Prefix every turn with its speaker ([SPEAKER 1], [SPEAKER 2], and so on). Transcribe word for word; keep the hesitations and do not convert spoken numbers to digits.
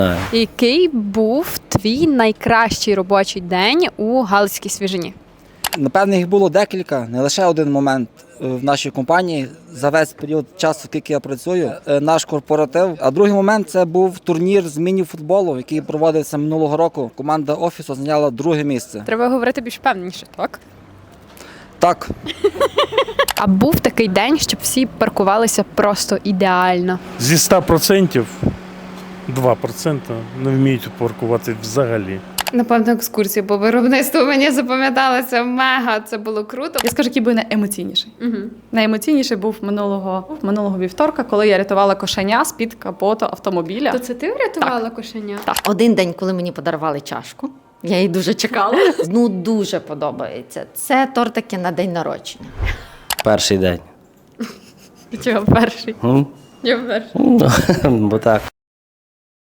[SPEAKER 1] Який був твій найкращий робочий день у Галицькій свіжині?
[SPEAKER 2] Напевно, їх було декілька, не лише один момент в нашій компанії за весь період часу, скільки я працюю, наш корпоратив. А другий момент – це був турнір з міні-футболу, який проводився минулого року. Команда офісу зайняла друге місце.
[SPEAKER 1] Треба говорити більш впевненіше, так?
[SPEAKER 2] Так.
[SPEAKER 1] А був такий день, щоб всі паркувалися просто ідеально?
[SPEAKER 3] Зі ста процентів два відсотки не вміють паркувати взагалі.
[SPEAKER 4] Напевно, екскурсії по виробництву мені запам'яталося мега, це було круто.
[SPEAKER 5] Я скажу, який би найемоційніший.
[SPEAKER 1] Угу.
[SPEAKER 5] Найемоційніший був минулого, минулого вівторка, коли я рятувала кошеня з-під капоту автомобіля.
[SPEAKER 1] То це ти врятувала кошеня?
[SPEAKER 5] Так.
[SPEAKER 6] Один день, коли мені подарували чашку, я її дуже чекала. Ну, дуже подобається. Це тортики на день народження.
[SPEAKER 7] Перший день.
[SPEAKER 1] Чого перший?
[SPEAKER 7] М?
[SPEAKER 1] Я перший.
[SPEAKER 7] Ну, бо так.